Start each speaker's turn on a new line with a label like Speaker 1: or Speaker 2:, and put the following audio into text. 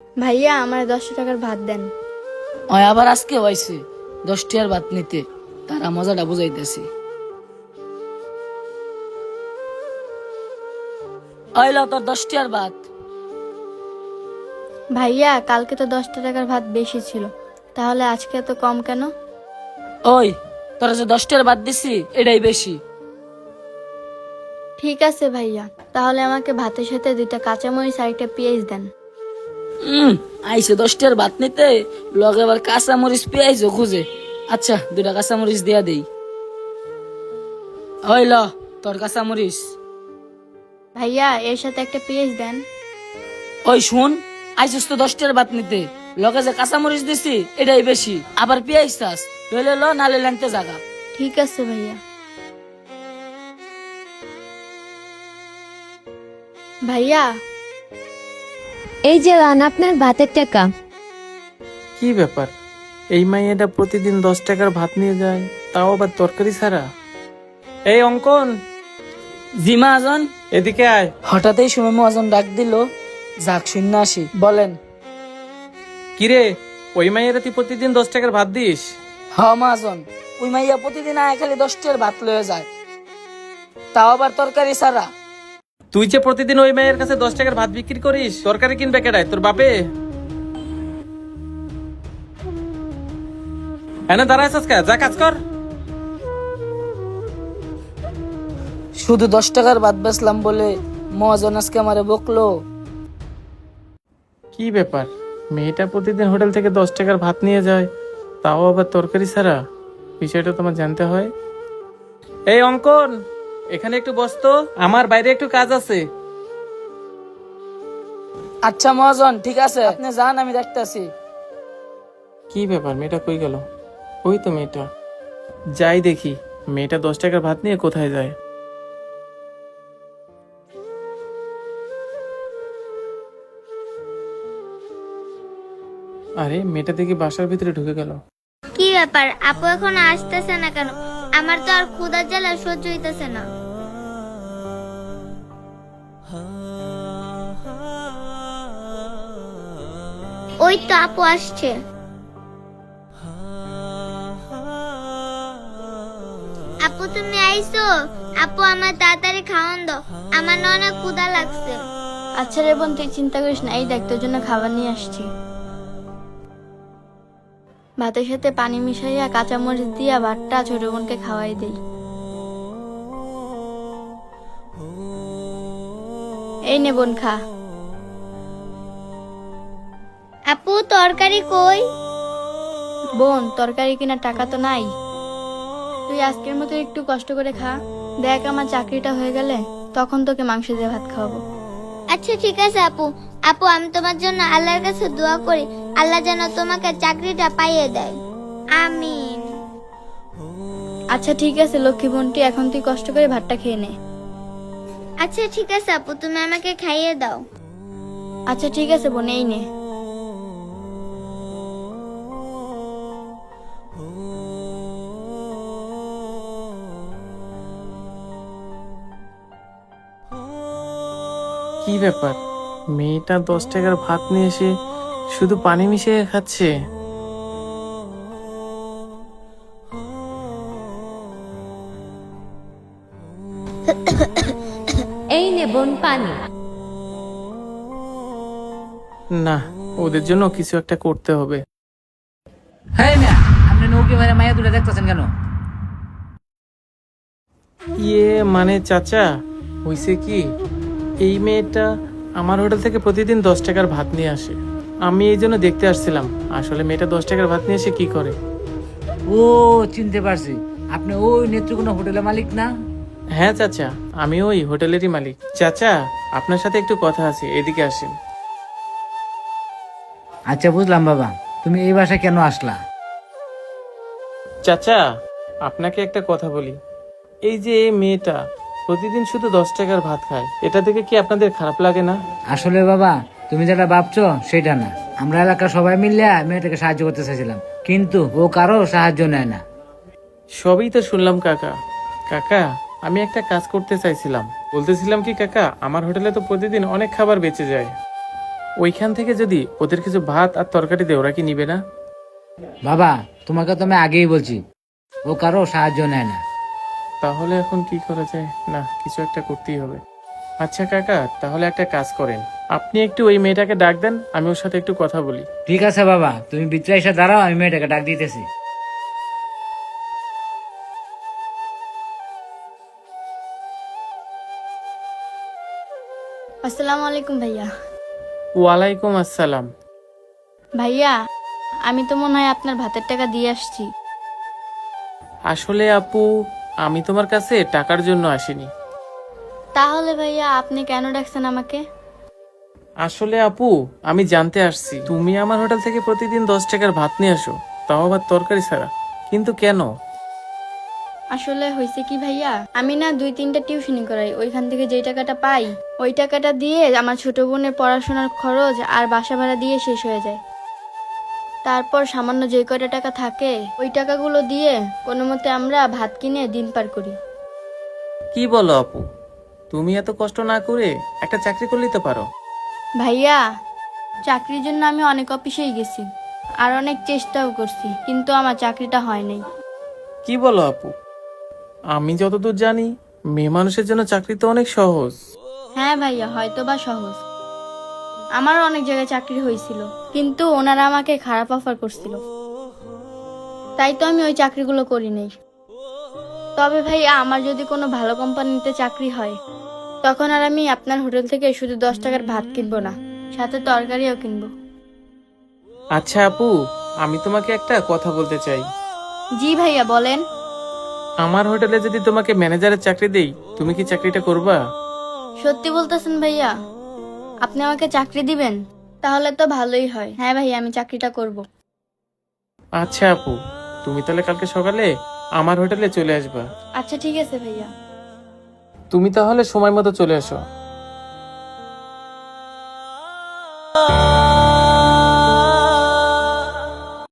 Speaker 1: ভাইয়া আমার 10 টাকার ভাত দেন।
Speaker 2: ওই আবার আজকে হয়েছে 10 টাকার ভাত নিতে, তারা মজাটা বুঝাইতেছি। ওই ল তোর 10 টাকার ভাত।
Speaker 1: ভাইয়া কালকে তো 10 টাকার ভাত বেশি ছিল, তাহলে আজকে এত কম কেন?
Speaker 2: ওই তোরা যে 10 টাকার ভাত দিছি এটাই বেশি।
Speaker 1: ঠিক আছে ভাইয়া, তাহলে আমাকে ভাতের সাথে 2টা কাঁচামরিচ আর একটা পেঁয়াজ দেন।
Speaker 2: আইসে 10 টাকার ভাত নিতে, লগে আবার কাঁচা মরিচ পেঁয়াজও খুঁজে। আচ্ছা 2টা কাঁচা মরিচ দিয়া দেই। ওই ল তোর কাঁচা মরিচ।
Speaker 1: ভাইয়া এর সাথে একটা পেঁয়াজ দেন।
Speaker 2: ওই শুন, আইসিস তো 10 টাকার ভাত নিতে, লগে যে কাঁচা মরিচ দিছি এটাই বেশি, আবার পেঁয়াজ চাস, লইলে ল নালে লেনতে জাগা।
Speaker 1: ঠিক আছে ভাইয়া। ভাইয়া
Speaker 3: এই যে লান আপনার ভাতের টাকা।
Speaker 4: কি ব্যাপার, এই মাইয়াটা প্রতিদিন 10 টাকার ভাত নিয়ে যায়, তাও আবার তরকারি ছাড়া। এই অঙ্কন,
Speaker 2: জি মহাজন।
Speaker 4: এদিকে আয়।
Speaker 2: হঠাৎই সময় মহাজন ডাক দিল, যাক শূন্য আসি। বলেন।
Speaker 4: কিরে, ওই মাইয়াটা তুই প্রতিদিন 10 টাকার ভাত দিস?
Speaker 2: হ মহাজন, ওই মাইয়া প্রতিদিন আয় খালি 10 টাকার ভাত লয়ে যায়, তাও আবার তরকারি ছাড়া।
Speaker 4: তুই যে প্রতিদিন ওই মাইয়ের কাছে 10 টাকার ভাত বিক্রি করিস, তরকারি কিনবে কেডায়, তোর বাপে? এনে দাঁড়ায় যা কাজ কর।
Speaker 2: শুধু 10 টাকার ভাত বেচলাম বলে মহাজন আজকে আমারে বকলো।
Speaker 4: কি ব্যাপার, মেয়েটা প্রতিদিন হোটেল থেকে 10 টাকার ভাত নিয়ে যায়, তাও আবার তরকারি ছাড়া? বিষয়টা তোমার জানতে হয়। এই অঙ্কন, এখানে একটু বস তো, আমার বাইরে একটু কাজ আছে।
Speaker 2: আচ্ছা মহাজন ঠিক আছে, আপনি যান আমি দেখতেছি।
Speaker 4: কি ব্যাপার, মেয়েটা কই গেল? ওই তো মেয়েটা, যাই দেখি মেয়েটা 10 টাকার ভাত নিয়ে কোথায় যায়। আরে মেয়েটা দেখি বাসার ভিতরে ঢুকে গেল।
Speaker 5: কি ব্যাপার, আপু এখন আসতেছে না কেন? আমার তো আর ক্ষুধার জ্বালা সহ্য হইতেছে না। ওই তো আপু আসছে। আপু তুমি আইছো? আপু আমার তাড়াতাড়ি খাওয়ান দাও, আমার না অনেক ক্ষুধা লাগছে।
Speaker 1: আচ্ছা রে বোন, তুই চিন্তা করিস না, এই দেখ তোর জন্য খাবার নিয়ে আসছি। ভাতের সাথে পানি মিশাইয়া কাঁচামরিচ দিয়া ভাতটা ছোট বোনকে খাওয়াই দেই। এই নে বোন খা।
Speaker 5: আপু তরকারি কই?
Speaker 1: বোন তরকারি কেনার টাকা তো নাই, তুই আজকের মতো একটু কষ্ট করে খা। দেখ আমার চাকরিটা হয়ে গেলে তখন তোকে মাংস দিয়ে ভাত খাওয়াবো।
Speaker 5: আচ্ছা ঠিক আছে আপু। আপু আমি তোমার জন্য আল্লাহর কাছে দোয়া করি, আল্লাহ যেন তোমাকে চাকরিটা পাইয়ে দেয়। আমিন।
Speaker 1: আচ্ছা ঠিক আছে লক্ষ্মী বোনটি, এখন তুই কষ্ট করে ভাতটা খেয়ে নে।
Speaker 5: আচ্ছা ঠিক আছে আপু, তুমি আমাকে খাইয়ে দাও।
Speaker 1: আচ্ছা ঠিক আছে বোন, এই নে।
Speaker 4: কি ব্যাপার, মেয়েটা 10 টাকার ভাত নিয়ে এসে শুধু পানি মিশিয়ে খাচ্ছে।
Speaker 3: এই নে বোন পানি।
Speaker 4: না, ওদের জন্য কিছু একটা করতে হবে।
Speaker 6: হ্যাঁ মিয়া, আপনি নৌকি মারে মায়া দুটো দেখতেছেন কেন?
Speaker 4: মানে চাচা, হইছে কি, এই মেয়েটা আমার হোটেল থেকে প্রতিদিন 10 টাকার ভাত নিয়ে আসে। আমি এই জন্য দেখতে আসছিলাম আসলে মেয়েটা 10 টাকার ভাত নিয়ে এসে কি করে।
Speaker 6: ও চিনতে পারছি, আপনি ওই নেত্রকোনা হোটেলের মালিক না?
Speaker 4: হ্যাঁ চাচা, আমি ওই হোটেলেরই মালিক। চাচা, আপনার সাথে একটু কথা আছে, এদিকে আসেন।
Speaker 6: আচ্ছা বুঝলাম বাবা, তুমি এই বাসায় কেন আসলা?
Speaker 4: চাচা, আপনাকে একটা কথা বলি, এই যে এই মেয়েটা প্রতিদিন শুধু 10 টাকার ভাত খায়, এটা দেখে কি আপনাদের খারাপ লাগে না?
Speaker 6: আসলে বাবা, তুমি যেটা ভাবছো সেটা না। আমরা এলাকার সবাই মিলে মেয়েটাকে সাহায্য করতে চাইছিলাম, কিন্তু ও কারো সাহায্য নেয় না।
Speaker 4: সবই তো শুনলাম কাকা। কাকা, আমি একটা কাজ করতে চাইছিলাম, বলতেছিলাম কি কাকা, আমার হোটেলে তো প্রতিদিন অনেক খাবার বেঁচে যায়, ওইখান থেকে যদি ওদের কিছু ভাত আর তরকারি দেয় ওরা কি নিবে না?
Speaker 6: বাবা, তোমাকে তো আমি আগেই বলছি, ও কারো সাহায্য নেয় না।
Speaker 4: তাহলে এখন কি করা যায়? না, কিছু একটা করতেই হবে। আচ্ছা কাকা, তাহলে একটা কাজ করেন, আপনি একটু ওই মেয়েটাকে ডাক দেন, আমি ওর সাথে একটু কথা বলি।
Speaker 6: ঠিক আছে বাবা, তুমি ভিতরে এসে দাঁড়াও, আমি মেয়েটাকে ডাক দিতেছি।
Speaker 1: আসসালামু আলাইকুম ভাইয়া।
Speaker 4: ওয়ালাইকুম আসসালাম।
Speaker 1: ভাইয়া, আমি তো মনে হয় আপনার ভাতের টাকা দিয়ে আসছি।
Speaker 4: আসলে আপু, আমি তোমার কাছে টাকার জন্য আসিনি।
Speaker 1: তাহলে ভাইয়া আপনি কেন ডাকছেন আমাকে?
Speaker 4: আসলে আপু, আমি জানতে আসছি তুমি আমার হোটেল থেকে প্রতিদিন 10 টাকার ভাত নিয়ে আসো, তাও আবার তরকারি ছাড়া, কিন্তু কেন?
Speaker 1: আসলে হয়েছে কি ভাইয়া, আমি না 2-3টা টিউশনি করাই, ওইখান থেকে যেই টাকাটা পাই ওই টাকাটা দিয়ে আমার ছোট বোনের পড়াশোনার খরচ আর বাসা ভাড়া দিয়ে শেষ হয়ে যায়। তারপর সামান্য যে কয়টা টাকা থাকে ওই টাকাগুলো দিয়ে কোনো মতে আমরা ভাত কিনে দিন পার করি।
Speaker 4: কি বলো আপু, তুমি এত কষ্ট না করে একটা চাকরি করলেই তো পারো।
Speaker 1: ভাইয়া, চাকরির জন্য আমি অনেক অফিসেই গেছি আর অনেক চেষ্টাও করছি, কিন্তু আমার চাকরিটা হয় নাই।
Speaker 4: কি বলো আপু, আমি যতদূর জানি মেয়ে মানুষের জন্য চাকরি তো অনেক সহজ।
Speaker 1: হ্যাঁ ভাইয়া, হয়তো বা সহজ, আমারও অনেক জায়গায় চাকরি হয়েছিল, কিন্তু ওনারা আমাকে খারাপ অফার করছিল, তাই তো আমি ওই চাকরিগুলো করি নাই। তবে ভাইয়া, আমার যদি কোনো ভালো কোম্পানিতে চাকরি হয় তখন আর আমি আপনার হোটেল থেকে শুধু 10 টাকার ভাত কিনবো না, সাথে তরকারিও কিনবো।
Speaker 4: আচ্ছা আপু, আমি তোমাকে একটা কথা বলতে চাই।
Speaker 1: জি ভাইয়া, বলেন।
Speaker 4: আমার হোটেলে যদি তোমাকে ম্যানেজারের চাকরি দেই, তুমি কি চাকরিটা করবা?
Speaker 1: সত্যি বলতেছেন ভাইয়া? আপনি আমাকে চাকরি দিবেন? তাহলে তো ভালোই হয়। হ্যাঁ ভাইয়া, আমি চাকরিটা করব।
Speaker 4: আচ্ছা আপু, তুমি তাহলে কালকে সকালে আমার হোটেলে চলে আসবা।
Speaker 1: আচ্ছা ঠিক আছে ভাইয়া।
Speaker 4: তুমি তাহলে সময় মতো চলে আসো।